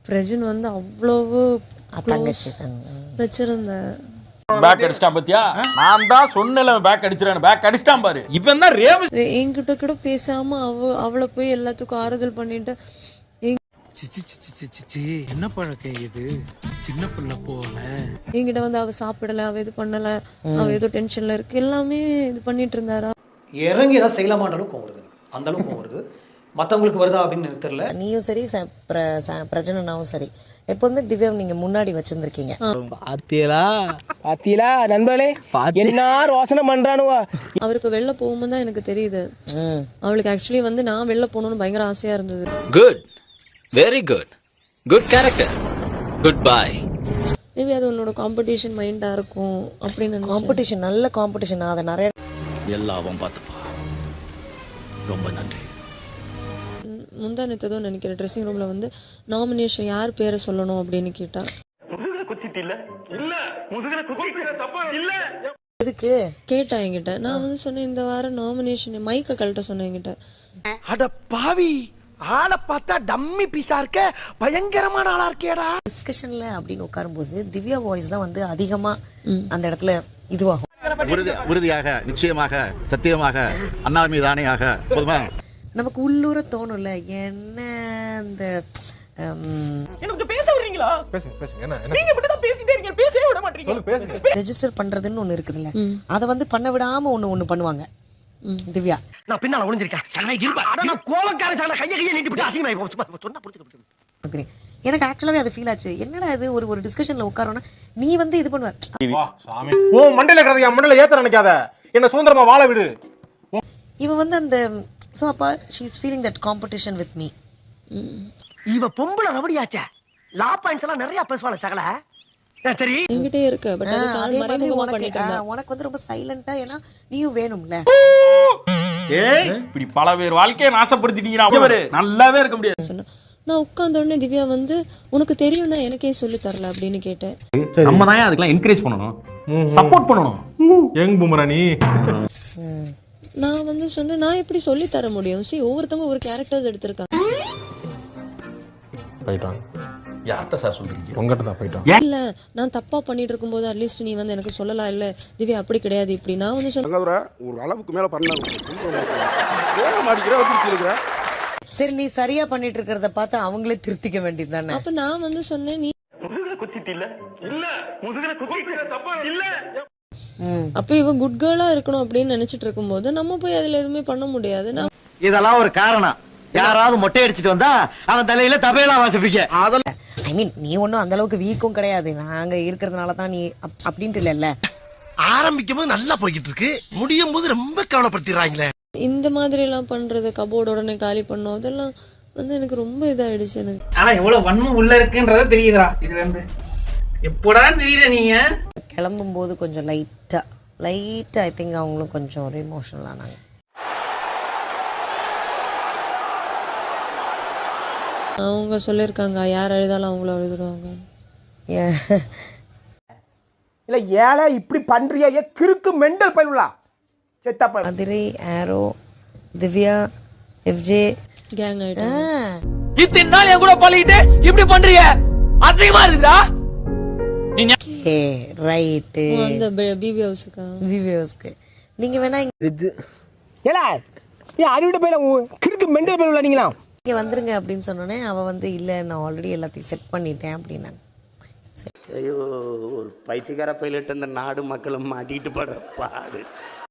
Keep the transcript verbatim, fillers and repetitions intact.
பிரஜன் வந்து அவ்வளவு தங்கச்சி வச்சிருந்தேன். பேக் அடிச்சிட்டான் பாத்தியா? நான் தான் சொன்னல பேக் அடிச்சிரானு. பேக் அடிச்சிட்டான் பாரு. இப்போ தான் ரேவ் என்கிட்ட கூட பேசாம அவ அவளை போய் எல்லாத்துக்கும் ஆறுதல் பண்ணிட்டு என்ன பழக்கம் இது? சின்ன பிள்ளை போல என்கிட்ட வந்து அவ சாப்பிடல, அவ இது பண்ணல, அவ ஏதோ டென்ஷன்ல இருக்கு, எல்லாமே இது பண்ணிட்டு இருந்தாரா. இறங்கி ஏதாவது செய்யலாமான்ற அளவுக்கு வருது, அந்த அளவுக்கு வருது. மற்றவங்களுக்கு வருதா அப்படின்னு தெரியல. நீயும் சரி பிரஜனனாவும் சரி எப்போதுமே திவ்யா நீங்க முன்னாடி வச்சிருந்திருக்கீங்க. பாத்தீங்களா பாத்தீங்களா நண்பர்களே, என்ன ரோசனை பண்றானுவா. அவர் இப்ப வெளில போகும்போது தான் எனக்கு தெரியுது அவளுக்கு ஆக்சுவலி வந்து நான் வெளில போகணும்னு பயங்கர ஆசையா இருந்தது. Good, very good, good character, goodbye. Maybe அது உன்னோட காம்படிஷன் மைண்டா இருக்கும் அப்படின்னு. காம்படிஷன் நல்ல காம்படிஷன், அதை நிறைய எல்லாவும் பார்த்துப்பா. ரொம்ப நன்றி. முந்தானத்ததோ நினைக்கிறேன் ட்ரெஸ்ஸிங் ரூம்ல வந்து நாமினேஷன் யார் பேரை சொல்லணும் அப்படின்னு கேட்டா எதுக்கு கேட்டா என்கிட்ட. நான் வந்து சொன்னேன் இந்த வாரம் நாமினேஷன் மைக்க கழட்ட சொன்னேன் என்கிட்ட. அட பாவி, ஆளை பார்த்தா டம்மி பீஸா இருக்க, பயங்கரமான ஆளா இருக்கேடா. டிஸ்கஷன்ல அப்படின்னு உட்காரும்போது திவ்யா வாய்ஸ் தான் வந்து அதிகமா அந்த இடத்துல இதுவாகும். உறுதியாக, நிச்சயமாக, சத்தியமாக, அண்ணா மீது ஆணையாக போதுமா? நமக்கு உள்ளூர தோணும்ல, என்ன அந்த ரெஜிஸ்டர் பண்றதுன்னு ஒண்ணு இருக்குதுல்ல, அதை வந்து பண்ண விடாம ஒண்ணு ஒண்ணு பண்ணுவாங்க திவ்யா. நான் பின்னால ஒளிஞ்சிருக்கேன், கோவக்கார கைய கைய நீட்டிட்டு அசிங்கமாயி சொன்னா. எனக்கு ஆக்சுவலாவே அது ஃபீல் ஆச்சு. என்னடா இது, ஒரு ஒரு டிஸ்கஷன்ல உட்காரோன்னா நீ வந்து இது பண்ணுவ. ஓ மண்டையில கறதையா, மண்டையில ஏத்த நினைக்காத, என்ன சுதந்திரமா வாழ விடு. இவன் வந்து அந்த சோ அப்பா she is feeling that competition with me. இவ பொம்பள ரவடியாச்சே, லா பாயிண்ட்ஸ் எல்லாம் நிறைய பேசுவாள சகல. சரி என்கிட்டே இருக்கு, பட் அது கால் மறைமுகமா பண்ணிட்டு இருந்தா. உனக்கு வந்து ரொம்ப சைலண்டா, ஏனா நீயும் வேணும்ல. ஏய் இப்படி பல பேர் வாழ்க்கையை நாசப்படுத்திட்டீங்கடா. அவரே நல்லாவே இருக்க முடியாது சொன்னா. நான் உட்கார்ந்த உடனே திவ்யா வந்து உனக்கு தெரியும்னா எனக்கே சொல்லி தரல அப்படின்னு கேட்டேன். நம்ம தான் அதுக்கெல்லாம் என்கரேஜ் பண்ணணும், சப்போர்ட் பண்ணணும். யங் பூமரா நீ. நான் வந்து சொன்னேன் நான் எப்படி சொல்லி தர முடியும்? சி ஒவ்வொருத்தவங்க ஒரு கேரக்டர்ஸ் எடுத்திருக்காங்க. போய்ட்டான். யார்கிட்ட சார் சொல்றீங்க? உங்ககிட்ட தான் போய்ட்டான். இல்ல நான் தப்பா பண்ணிட்டு இருக்கும்போது அட்லீஸ்ட் நீ வந்து எனக்கு சொல்லலாம். இல்ல திவ்யா அப்படி கிடையாது இப்படி. நான் வந்து சொன்னேன் ஒரு அளவுக்கு மேல பண்ணாங்க. சரி நீ சரியா பண்ணிட்டு இருக்கிறத பார்த்து அவங்களே திருத்திக்க வேண்டியது தானே. அப்ப நான் வந்து சொன்னேன் நீ அப்ப இவ குட் கேர்ளா இருக்கணும் அப்படின்னு நினைச்சிட்டு இருக்கும்போது நம்ம போய் அதுல எதுவுமே பண்ண முடியாது. இதெல்லாம் ஒரு காரணம். யாராவது மொட்டை அடிச்சிட்டு வந்தா அவன் தலையில தபையெல்லாம் வாசிப்பீங்க. ஐ மீன் நீ ஒன்றும் அந்த அளவுக்கு வீக்கும் கிடையாது, நாங்க இருக்கிறதுனால தான் நீ அப்படின்ட்டு இல்லைல்ல. ஆரம்பிக்கும் போது நல்லா போய்கிட்டு இருக்கு, முடியும் போது ரொம்ப கவலைப்படுத்திடுறாங்களே. இந்த மாதிரி எல்லாம் பண்றது, கபோர்டு உடனே காலி பண்ணோம், அதெல்லாம் வந்து எனக்கு ரொம்ப இதாயிடுச்சு எனக்கு. ஆனா எவ்வளவு வன்மம் உள்ள இருக்குன்றத தெரியுதா இதுல இருந்து? எப்படா தெரியல நீங்க கிளம்பும் போது கொஞ்சம் லைட்டா லைட்டா ஐ திங்க் அவங்களும் கொஞ்சம் ஒரு எமோஷனல் ஆனாங்க. அவங்க சொல்லியிருக்காங்க யார் அழுதாலும் அவங்கள அழுதுருவாங்க. இல்ல ஏழை இப்படி பண்றியா, ஏ கிறுக்கு மெண்டல் பயிலுலா செத்தா பயில. அதிரை, ஆரோ, திவ்யா, எஃப்ஜே கேங் ஆயிட்டு இத்தனை நாள் என் கூட பழகிட்டு இப்படி பண்றிய அசிங்கமா இருக்குடா. Okay right. அந்த பிபி ஹவுஸ்க்கு பிபி ஹவுஸ்க்கு நீங்க வேணா இது ஏலா ஏ அறிவிட்ட பயில கிறுக்கு மெண்டல் பயிலுலா நீங்களா இங்கே வந்துருங்க அப்படின்னு சொன்னோன்னே அவள் வந்து இல்லை நான் ஆல்ரெடி எல்லாத்தையும் செட் பண்ணிட்டேன் அப்படின்னாங்க. ஐயோ, ஒரு பைத்தியக்கார பைலட் அந்த நாடு மக்களும் மாட்டிட்டு படுற பாடு.